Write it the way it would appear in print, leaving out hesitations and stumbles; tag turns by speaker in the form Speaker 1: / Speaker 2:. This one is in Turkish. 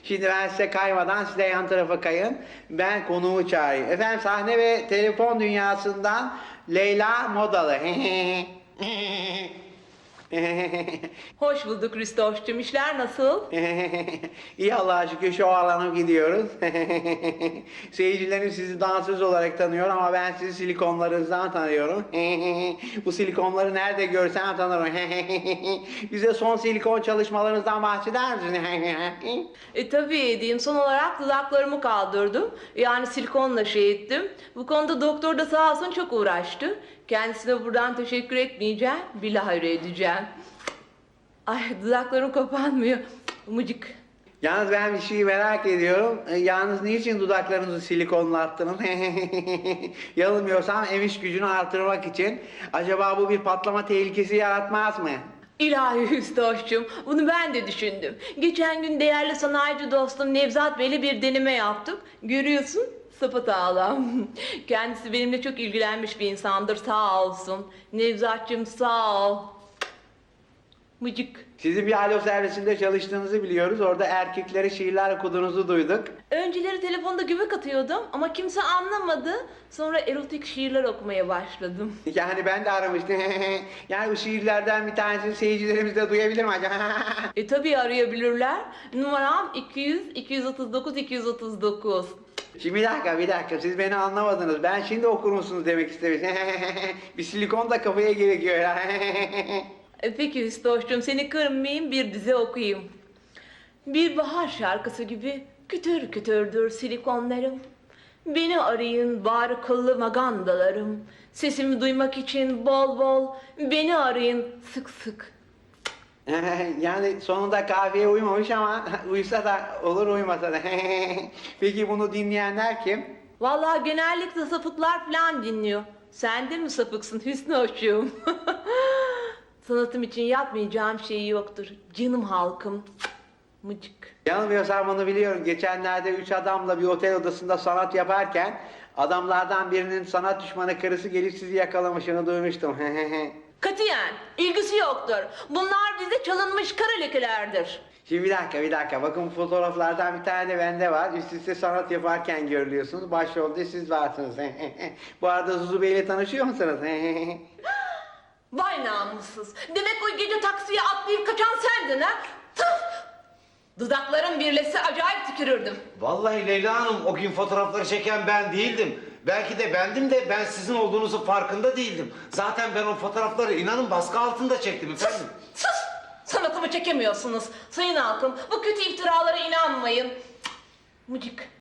Speaker 1: Şimdi ben size kaymadan siz de yan tarafa kayın. Ben konuğumu çağırayım. Efendim sahne ve telefon dünyasından Leyla Modalı.
Speaker 2: Hoş bulduk Kristoş'cum. İşler nasıl?
Speaker 1: İyi Allah'a şükür şu alana gidiyoruz. Seyircilerim sizi dansöz olarak tanıyor ama ben sizi silikonlarınızdan tanıyorum. Bu silikonları nerede görsem tanırım. Bize son silikon çalışmalarınızdan bahseder misiniz?
Speaker 2: Tabii edeyim. Son olarak dudaklarımı kaldırdım. Yani silikonla şey ettim. Bu konuda doktor da sağ olsun çok uğraştı. Kendisine buradan teşekkür etmeyeceğim. Bilahare edeceğim. Ay dudaklarım kapanmıyor. Mıcık.
Speaker 1: Yalnız ben bir şeyi merak ediyorum. Yalnız niçin dudaklarınızı silikonlattınız? Yanılmıyorsam emiş gücünü artırmak için. Acaba bu bir patlama tehlikesi yaratmaz mı?
Speaker 2: İlahi Hüsnoş'cum, bunu ben de düşündüm. Geçen gün değerli sanayici dostum Nevzat Bey'le bir deneme yaptık. Görüyorsun, sapasağlam. Kendisi benimle çok ilgilenmiş bir insandır, sağ olsun. Nevzat'cığım sağ ol. Mıcık.
Speaker 1: Sizin bir alo servisinde çalıştığınızı biliyoruz. Orada erkeklere şiirler okuduğunuzu duyduk.
Speaker 2: Önceleri telefonda göbek atıyordum ama kimse anlamadı. Sonra erotik şiirler okumaya başladım.
Speaker 1: Yani ben de aramıştım. Yani bu şiirlerden bir tanesini seyircilerimiz de duyabilir mi acaba?
Speaker 2: Tabii arayabilirler. Numaram 200-239-239.
Speaker 1: Şimdi bir dakika siz beni anlamadınız. Ben şimdi okur musunuz demek istemiştim. Bir silikon da kafaya gerekiyor ya.
Speaker 2: Peki Hüsnoş'cum seni kırmayayım bir dize okuyayım. Bir bahar şarkısı gibi kütür kütürdür silikonlarım. Beni arayın bari kıllı magandalarım. Sesimi duymak için bol bol beni arayın sık sık.
Speaker 1: Yani sonunda kahveye uymamış ama uysa da olur uymasa da. Peki bunu dinleyenler kim?
Speaker 2: Vallahi genellikle sapıklar falan dinliyor. Sen de mi sapıksın Hüsnoş'cum? Sanatım için yapmayacağım şey yoktur. Canım halkım. Mıcık.
Speaker 1: Yanılmıyorsam bunu biliyorum. Geçenlerde 3 adamla bir otel odasında sanat yaparken adamlardan birinin sanat düşmanı karısı gelip sizi yakalamışını duymuştum.
Speaker 2: Katiyen ilgisi yoktur. Bunlar bize çalınmış kara lekelerdir.
Speaker 1: Şimdi bir dakika. Bakın bu fotoğraflardan bir tane de bende var. Üst üste sanat yaparken görülüyorsunuz. Başrolde siz varsınız. Bu arada Zuzu Bey'le tanışıyor musunuz?
Speaker 2: Vay namussuz. Demek o gece taksiye atlayıp kaçan sendin ha? Tıf! Dudaklarım birleşse acayip tükürürdüm.
Speaker 3: Vallahi Leyla Hanım o gün fotoğrafları çeken ben değildim. Belki de bendim de ben sizin olduğunuzun farkında değildim. Zaten ben o fotoğrafları inanın baskı altında çektim efendim.
Speaker 2: Sus! Sanatımı çekemiyorsunuz. Sayın halkım bu kötü iftiralara inanmayın. Mıcık.